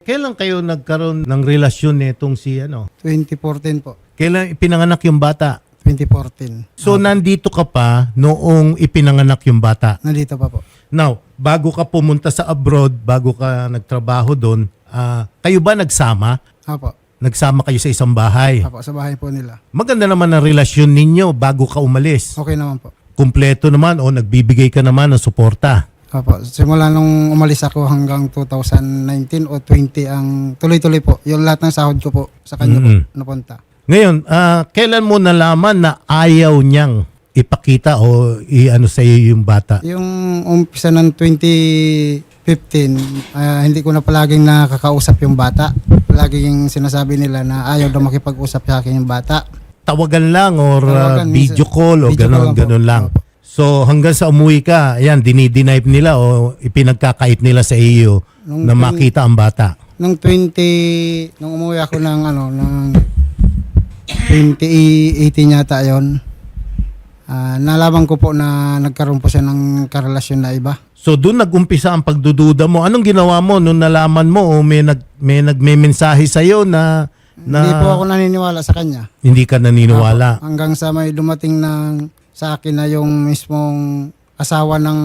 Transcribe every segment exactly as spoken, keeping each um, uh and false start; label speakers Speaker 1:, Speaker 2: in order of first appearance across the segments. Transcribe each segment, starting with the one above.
Speaker 1: kailan kayo nagkaroon ng relasyon nitong si ano?
Speaker 2: twenty fourteen po.
Speaker 1: Kailan ipinanganak yung bata?
Speaker 2: twenty fourteen.
Speaker 1: So nandito ka pa noong ipinanganak yung bata.
Speaker 2: Nandito pa po.
Speaker 1: Now, bago ka pumunta sa abroad, bago ka nagtrabaho doon, ah, kayo ba nagsama?
Speaker 2: Apo.
Speaker 1: Nagsama kayo sa isang bahay?
Speaker 2: Apo, sa bahay po nila.
Speaker 1: Maganda naman ang relasyon ninyo bago ka umalis.
Speaker 2: Okay naman po.
Speaker 1: Kumpleto naman o nagbibigay ka naman ng suporta.
Speaker 2: Apo, simula nung umalis ako hanggang two thousand nineteen o twenty ang tuloy-tuloy po. Yung lahat ng sahod ko po sa kanya
Speaker 1: Mm-hmm.
Speaker 2: po napunta.
Speaker 1: Ngayon, ah, kailan mo nalaman na ayaw niyang ipakita o i-ano sa iyo yung bata?
Speaker 2: Yung umpisa ng twenty fifteen, ah, hindi ko na palaging nakakausap yung bata. Palaging sinasabi nila na ayaw daw makipag-usap sa akin yung bata.
Speaker 1: Tawagan lang or ah,
Speaker 2: Tawagan,
Speaker 1: video
Speaker 2: minsan-
Speaker 1: call o
Speaker 2: video call
Speaker 1: ganon,
Speaker 2: lang po.
Speaker 1: ganon lang.
Speaker 2: Opo.
Speaker 1: So hanggang sa umuwi ka, ayan, dinidenive nila o ipinagkakait nila sa iyo
Speaker 2: Nung
Speaker 1: na
Speaker 2: tin-
Speaker 1: makita ang bata.
Speaker 2: Nung twenty, nung umuwi ako ng ano, ng twenty eighteen yata yon, ah, nalaman ko po na nagkaroon po siya ng karelasyon na iba.
Speaker 1: So doon nag-umpisa ang pagdududa mo. Anong ginawa mo nung nalaman mo o may nag may nagme-mensahe sa iyo na na
Speaker 2: Hindi po ako naniniwala sa kanya.
Speaker 1: hindi ka naniniwala?
Speaker 2: Apo, hanggang sa may dumating ng sa akin na yung mismong asawa ng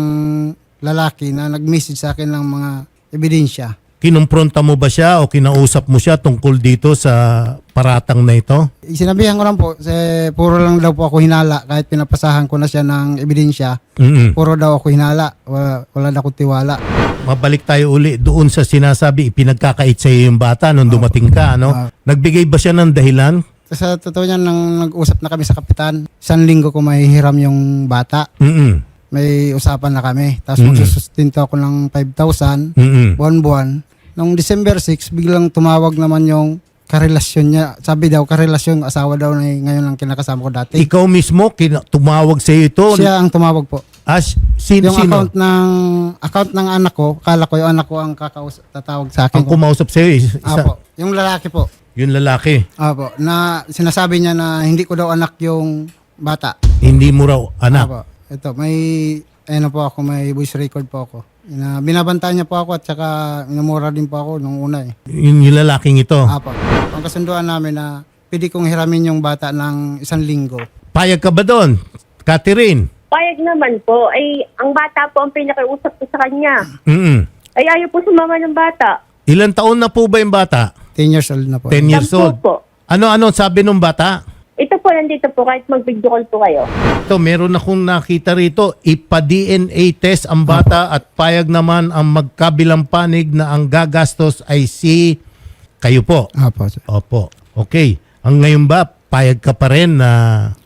Speaker 2: lalaki na nag-message sa akin ng mga ebidensya.
Speaker 1: Kinumpronta mo ba siya o kinausap mo siya tungkol dito sa paratang na ito?
Speaker 2: Sinabihan ko lang po, eh, puro lang daw po ako hinala kahit pinapasahan ko na siya ng ebidensya.
Speaker 1: Mm-mm.
Speaker 2: Puro daw ako hinala, wala, wala na akong tiwala.
Speaker 1: Mabalik tayo uli doon sa sinasabi ipinagkakait sa iyo yung bata nung dumating ka, ano?
Speaker 2: Ah.
Speaker 1: Nagbigay ba siya ng dahilan?
Speaker 2: Sa totoo niyan, nang nag-usap na kami sa kapitan, isang linggo ko may hiram yung bata.
Speaker 1: Mm-mm.
Speaker 2: May usapan na kami. Tapos
Speaker 1: Mm.
Speaker 2: magsusustinto ako ng five thousand,
Speaker 1: Mm-mm.
Speaker 2: buwan-buwan. Noong December six, biglang tumawag naman yung karelasyon niya. Sabi daw, karelasyon, asawa daw na ngayon lang kinakasama ko dati.
Speaker 1: Ikaw mismo kina- tumawag sa iyo ito?
Speaker 2: Siya ang tumawag po.
Speaker 1: As, sin,
Speaker 2: Yung
Speaker 1: sino?
Speaker 2: account ng account ng anak ko, kala ko yung anak ko ang kakaus tatawag sa akin.
Speaker 1: Ang kumausap sa iyo, isa,
Speaker 2: Apo, yung lalaki po.
Speaker 1: yung lalaki.
Speaker 2: Apo, na sinasabi niya na hindi ko daw anak yung bata.
Speaker 1: Hindi mo raw anak.
Speaker 2: Apo, ito, may, ano po ako, may voice record po ako. Na, binabantayan niya po ako at saka minumura din po ako nung una eh.
Speaker 1: Yung, yung lalaking ito.
Speaker 2: Apo, ang kasunduan namin na pwede kong hiramin yung bata ng isang linggo.
Speaker 1: Payag ka ba doon? Catherine?
Speaker 3: Payag naman po. Ay, ang bata po ang pinakiusap ko sa kanya.
Speaker 1: Mm-mm.
Speaker 3: Ay, ayaw po sumama ng bata.
Speaker 1: Ilan taon na po ba yung bata?
Speaker 2: ten years old na po.
Speaker 1: ten years
Speaker 3: Sampu
Speaker 1: old.
Speaker 3: po.
Speaker 1: Ano-ano sabi nung bata?
Speaker 3: Ito po, nandito po, kahit mag-video call po kayo.
Speaker 1: Ito, meron akong nakita rito, ipa-D N A test ang bata at payag naman ang magkabilang panig na ang gagastos ay si kayo po.
Speaker 2: Apo, sir.
Speaker 1: Opo. Okay. Ang ngayon ba, payag ka pa rin na,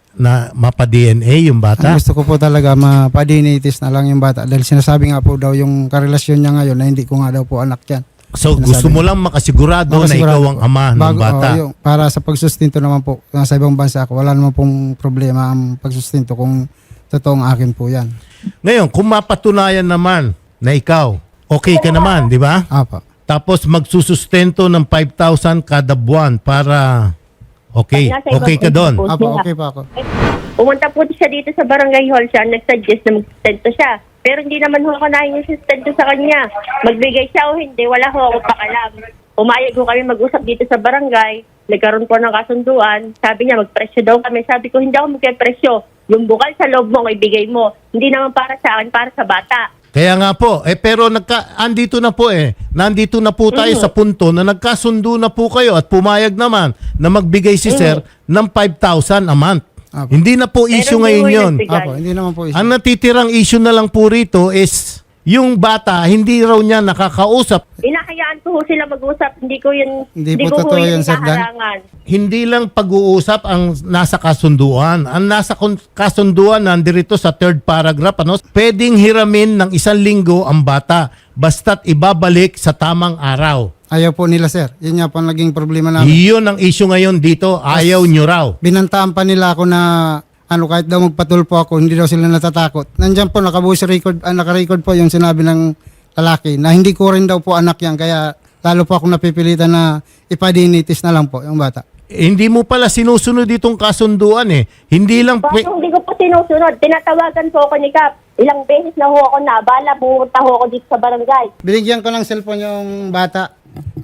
Speaker 1: na mapa-D N A yung
Speaker 2: Ang
Speaker 1: bata?
Speaker 2: gusto ko po talaga mapadinitis na lang yung bata dahil sinasabi nga po daw yung karelasyon niya ngayon na hindi ko nga daw po anak yan.
Speaker 1: So
Speaker 2: Sinasabi
Speaker 1: gusto mo lang makasigurado, na
Speaker 2: Makasigurado
Speaker 1: ikaw ang
Speaker 2: po.
Speaker 1: ama ng
Speaker 2: Bago-
Speaker 1: bata.
Speaker 2: oo, yung- para sa pagsustinto naman po sa ibang bansa ako, wala naman pong problema ang pagsustinto kung totoong akin po yan.
Speaker 1: Ngayon, kung mapatunayan naman na ikaw, okay ka naman, di ba?
Speaker 2: Apa.
Speaker 1: Tapos magsusustento ng five thousand kada buwan para okay,
Speaker 3: Nasa ibang
Speaker 1: okay ka doon.
Speaker 3: po
Speaker 2: Apa,
Speaker 3: siya.
Speaker 2: okay pa ako.
Speaker 3: Pumunta po siya dito sa barangay hall siya, nag-suggest na mag-sustento siya. Pero hindi naman ho kanahin yung sustento sa kanya. Magbigay siya o hindi, wala ho ako pakalam. Umayag ho kami mag-usap dito sa barangay, nagkaroon po ng kasunduan. Sabi niya, magpresyo daw kami. Sabi ko, hindi ako magpresyo. Yung bukal sa loob mo, ang ibigay mo. Hindi naman para sa akin, para sa bata.
Speaker 1: Kaya nga po, eh pero nagka, andito na po eh. Nandito na po tayo
Speaker 3: Mhm.
Speaker 1: sa punto na nagkasundo na po kayo at pumayag naman na magbigay si sir ng five thousand a month.
Speaker 2: Apo.
Speaker 1: Hindi na po issue
Speaker 3: Pero
Speaker 1: ngayon
Speaker 3: hindi mo
Speaker 1: yun.
Speaker 3: inagbigay.
Speaker 2: Apo, hindi naman po isa.
Speaker 1: Ang natitirang issue na lang po rito is yung bata, hindi raw niya nakakausap.
Speaker 3: Inahayaan ko ho sila mag-usap. Hindi ko yun,
Speaker 2: Hindi
Speaker 3: hindi,
Speaker 2: po
Speaker 3: ko ho
Speaker 2: totoo
Speaker 3: yun
Speaker 2: yun, Sir Dan.
Speaker 3: inaharangan.
Speaker 1: Hindi lang pag-uusap ang nasa kasunduan. Ang nasa kun- kasunduan nandirito sa third paragraph, ano? Pwedeng hiramin ng isang linggo ang bata basta't ibabalik sa tamang araw.
Speaker 2: Ayaw po nila, sir. Yun nga po ang naging problema namin.
Speaker 1: Iyon ang issue ngayon dito. Ayaw nyo raw.
Speaker 2: Binantaan pa nila ako na ano, kahit daw magpatulpo ako, hindi daw sila natatakot. Nandiyan po, nakabuhos record, ah, naka-record po yung sinabi ng lalaki na hindi ko rin daw po anak yan. Kaya lalo po ako napipilitan na ipadinitis na lang po yung bata.
Speaker 1: Eh, hindi mo pala sinusunod itong kasunduan eh. Hindi lang... pwe-
Speaker 3: Bakit hindi ko po sinusunod? Tinatawagan po ako ni Kap. Ilang beses na ho ako na. Bala, pumunta ho ako dito sa barangay.
Speaker 2: Binigyan ko ng cellphone yung bata.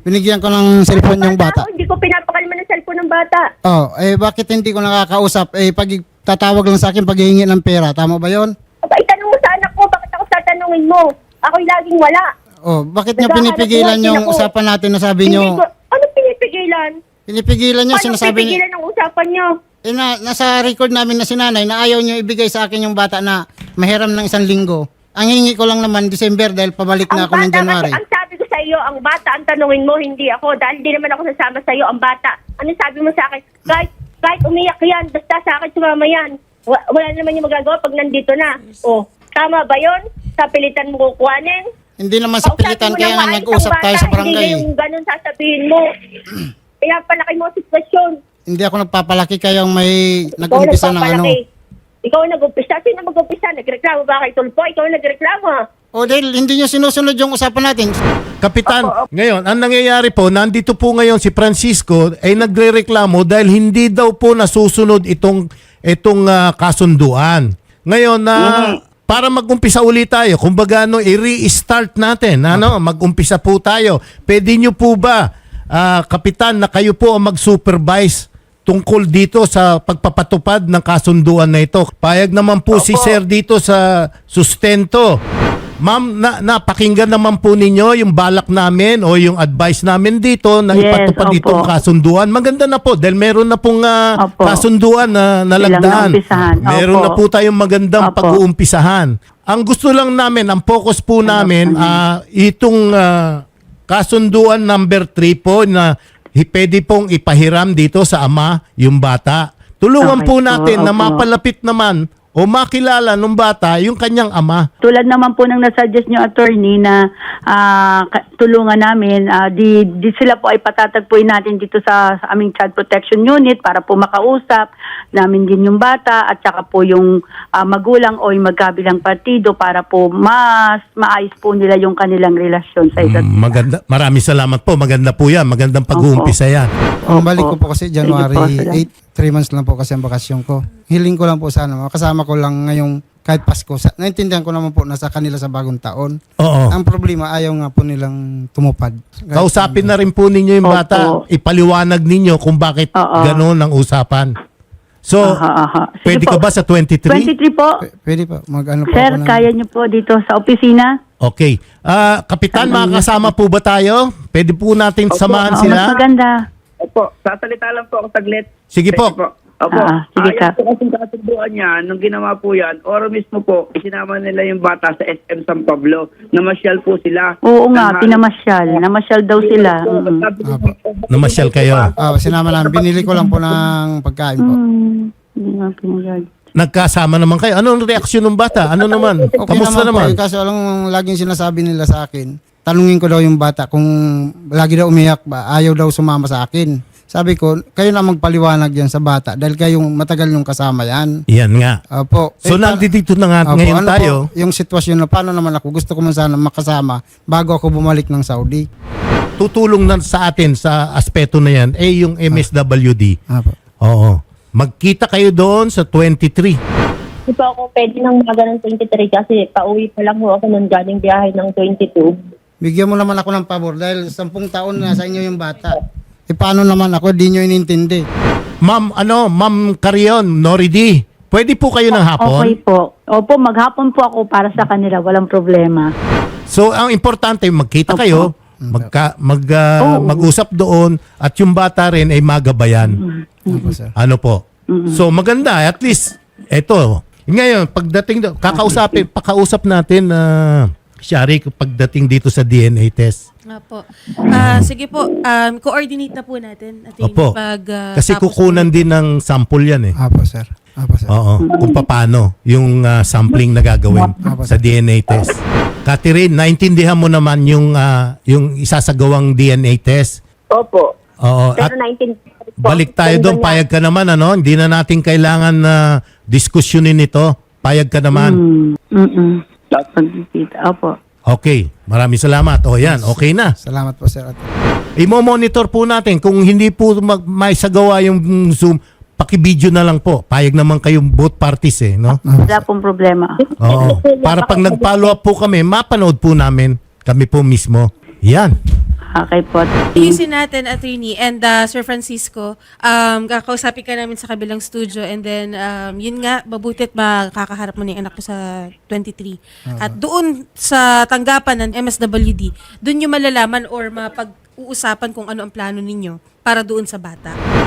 Speaker 2: Binigyan ko ng cellphone yung bata.
Speaker 3: Ako, hindi ko pinapakalma ng cellphone ng bata.
Speaker 2: Oh, eh bakit hindi ko nakakausap? Eh pag tatawag lang sa akin pag hihingi ng pera, tama ba 'yon?
Speaker 3: Aba, itanong mo sa anak ko, bakit ako tatanungin mo? Ako'y laging wala.
Speaker 2: Oh, bakit niyo
Speaker 3: Naghahanap
Speaker 2: pinipigilan
Speaker 3: buhay din
Speaker 2: yung
Speaker 3: ako.
Speaker 2: usapan natin na sabi
Speaker 3: Hindi
Speaker 2: niyo?
Speaker 3: ko, ano pinipigilan?
Speaker 2: Pinipigilan niyo,
Speaker 3: Paano
Speaker 2: sinasabi niyo.
Speaker 3: pipigilan ang usapan niyo?
Speaker 2: Eh na, nasa record namin na si nanay na ayaw niyo ibigay sa akin yung bata na mahiram ng isang linggo. Ang hiningi ko lang naman December dahil pabalik na
Speaker 3: Ang
Speaker 2: ako ng
Speaker 3: bata
Speaker 2: January.
Speaker 3: kasi, ang sabi ko sa iyo, ang bata ang tanungin mo, hindi ako. Dahil di naman ako sasama sa iyo, ang bata. Ano sabi mo sa akin? Kahit, kahit umiyak yan, basta sa akin sumama yan. Wa- Wala naman yung magagawa pag nandito na. O, tama ba yon? Sa pilitan mo kukuhanin?
Speaker 2: Hindi naman sa
Speaker 3: Kausapin
Speaker 2: pilitan
Speaker 3: mo
Speaker 2: kaya
Speaker 3: ng
Speaker 2: nga
Speaker 3: maayos
Speaker 2: nag-usap
Speaker 3: ang
Speaker 2: tayo
Speaker 3: bata,
Speaker 2: sa barangay.
Speaker 3: Hindi
Speaker 2: eh.
Speaker 3: yung ganun sasabihin mo. Kaya palaki mo ang sitwasyon.
Speaker 2: Hindi ako nagpapalaki kayong may
Speaker 3: Ikaw
Speaker 2: nag-umpisa ng ano.
Speaker 3: nagpapalaki. Ikaw ang nag-umpisa. Sino mag-umpisa? Nagreklamo ba kay Tulpo? Ikaw ang nagreklamo.
Speaker 2: O dahil hindi nyo sinusunod yung usapan natin.
Speaker 1: Kapitan, ngayon, ang nangyayari po, nandito po ngayon si Francisco ay nagrereklamo dahil hindi daw po nasusunod itong itong ah, kasunduan. Ngayon na para mag-umpisa ulit tayo, kumbaga no, i-restart natin, ano, mag-umpisa po tayo. Pwede nyo po ba, ah, Kapitan, na kayo po ang mag-supervise tungkol dito sa pagpapatupad ng kasunduan na ito? Payag naman po si Sir dito sa sustento. Ma'am, na, napakinggan naman po ninyo yung balak namin o yung advice namin dito na
Speaker 4: Yes,
Speaker 1: ipatupad
Speaker 4: opo.
Speaker 1: itong kasunduan. Maganda na po dahil meron na pong ah,
Speaker 4: Opo.
Speaker 1: kasunduan na nalagdaan.
Speaker 4: naumpisahan.
Speaker 1: Meron
Speaker 4: Opo.
Speaker 1: na po tayong magandang
Speaker 4: Opo.
Speaker 1: pag-uumpisahan. Ang gusto lang namin, ang focus po namin, ah, itong ah, kasunduan number three po na hi- pwede pong ipahiram dito sa ama yung bata. Tulungan
Speaker 4: Okay
Speaker 1: po
Speaker 4: po,
Speaker 1: natin na
Speaker 4: opo.
Speaker 1: mapalapit naman o makilala ng bata yung kanyang ama.
Speaker 4: Tulad naman po ng nasuggest nyo, attorney, na ah, ka- tulungan namin, ah, di, di sila po ay patatagpuin natin dito sa, sa aming child protection unit para po makausap namin din yung bata at saka po yung ah, magulang o yung magkabilang partido para po mas maayos po nila yung kanilang relasyon sa isa't
Speaker 1: Mm, maganda. Maraming salamat po. Maganda po yan. Magandang pag-uumpisa yan.
Speaker 2: Ang balik ko
Speaker 4: Opo.
Speaker 2: po kasi
Speaker 4: Sige po,
Speaker 2: January
Speaker 4: salamat.
Speaker 2: eighth, three months lang po kasi ang bakasyon ko. Hiling ko lang po sana, makasama ko lang ngayong kahit Pasko. Sa, naintindihan ko naman po nasa kanila sa bagong taon.
Speaker 1: Oo.
Speaker 2: Ang problema, ayaw nga po nilang tumupad.
Speaker 1: Kausapin na rin po ninyo yung
Speaker 4: Opo.
Speaker 1: bata. Ipaliwanag ninyo kung bakit
Speaker 4: Oo.
Speaker 1: gano'n ang usapan. So,
Speaker 4: Aha, aha. Sige
Speaker 1: pwede
Speaker 4: po.
Speaker 1: ka ba sa twenty-three?
Speaker 4: twenty-three po.
Speaker 2: P- Pwede po, mag-ano po
Speaker 4: Sir,
Speaker 2: ako ng-
Speaker 4: kaya nyo po dito sa opisina?
Speaker 1: Okay. Ah, Kapitan, makakasama po ba tayo? Pwede po natin samahan
Speaker 4: Oo, mas
Speaker 1: sila?
Speaker 4: maganda.
Speaker 5: Opo, sasalita lang po ako saglit.
Speaker 1: Sige po.
Speaker 5: Opo,
Speaker 4: Ah, sige
Speaker 5: ayon
Speaker 4: ka.
Speaker 5: po kasing kasunduan niya, nung ginawa po yan, oro mismo po, isinama nila yung bata sa S M San Pablo. Namasyal po sila.
Speaker 4: Oo nga,
Speaker 5: Nang-
Speaker 4: pinamasyal. Namasyal daw sila. Mm.
Speaker 5: Sabi ko,
Speaker 2: Apo.
Speaker 1: Namasyal kayo.
Speaker 2: Ah, sinama namin. Binili ko lang po ng pagkain po.
Speaker 4: Hmm, hindi nga pinagag.
Speaker 1: Nagkasama naman kayo. Anong reaksyon ng bata? Ano naman?
Speaker 2: Okay
Speaker 1: Kamusta
Speaker 2: naman,
Speaker 1: naman?
Speaker 2: po. Eh, kaso alang laging sinasabi nila sa akin, tanungin ko daw yung bata kung lagi daw umiyak ba, ayaw daw sumama sa akin. Sabi ko, kayo na magpaliwanag yan sa bata dahil kayong matagal yung kasama yan.
Speaker 1: Yan nga.
Speaker 2: Opo.
Speaker 1: So,
Speaker 2: Eh, pa-
Speaker 1: nandito na nga
Speaker 2: Opo,
Speaker 1: ngayon
Speaker 2: ano
Speaker 1: tayo.
Speaker 2: Po, yung sitwasyon na paano naman ako, gusto ko man sana makasama bago ako bumalik ng Saudi.
Speaker 1: Tutulong na sa atin sa aspeto na yan, eh yung M S W D.
Speaker 2: Opo.
Speaker 1: Oo. Magkita kayo doon sa twenty-three.
Speaker 3: Hindi po ako pwede ng mga ng twenty-three kasi pauwi pa lang ho ako nung galing biyahe ng twenty-two.
Speaker 2: Bigyan mo naman ako ng pabor dahil sampung taon na sa inyo yung bata. E paano naman ako, di nyo inintindi.
Speaker 1: Ma'am, ano, Ma'am Carion, Noridi, pwede po kayo ng hapon?
Speaker 4: Okay po. Opo, maghapon po ako para sa kanila. Walang problema.
Speaker 1: So, ang importante, magkita
Speaker 4: Opo.
Speaker 1: kayo, magka, mag, ah,
Speaker 4: Oo.
Speaker 1: mag-usap doon, at yung bata rin ay magabayan.
Speaker 2: Opo, sir.
Speaker 1: Ano po? So, maganda. At least, eto. Ngayon, pagdating, do- kakausapin, pakausap natin na Shari, pagdating dito sa D N A test.
Speaker 6: Opo. Ah, sige po, um, coordinate na po natin. Ating
Speaker 1: Opo.
Speaker 6: Pag, ah,
Speaker 1: Kasi
Speaker 6: tapos
Speaker 1: kukunan
Speaker 6: po.
Speaker 1: din ng sample yan eh.
Speaker 2: Opo, sir. Opo, sir.
Speaker 1: Oo. Kung paano yung ah, sampling na gagawin sa D N A test. Catherine, naintindihan mo naman yung ah, yung isasagawang D N A test.
Speaker 5: Opo.
Speaker 1: Oo. At
Speaker 3: Pero nineteen po.
Speaker 1: balik tayo doon,
Speaker 3: Ganyan.
Speaker 1: payag ka naman ano, hindi na natin kailangan na diskusyonin ito. Payag ka naman.
Speaker 4: Mm. Mm-mm. Pagkikita. Opo.
Speaker 1: Okay, maraming salamat. O yan, okay na.
Speaker 2: Salamat po, sir.
Speaker 1: I-monitor po natin kung hindi po mag- may sagawa yung Zoom, paki-video na lang po. Payag naman kayong both parties eh, no?
Speaker 4: Wala pong problema.
Speaker 1: Oo. Para pag nag-follow up po kami, mapanood po namin kami po mismo. Yan.
Speaker 4: Okay po.
Speaker 6: Ayusin natin, attorney. And uh, Sir Francisco, um, kakausapin ka namin sa kabilang studio and then, um, yun nga, mabutit makakaharap mo na yung anak ko sa twenty-three. At doon sa tanggapan ng M S W D, doon yung malalaman or mapag-uusapan kung ano ang plano ninyo para doon sa bata.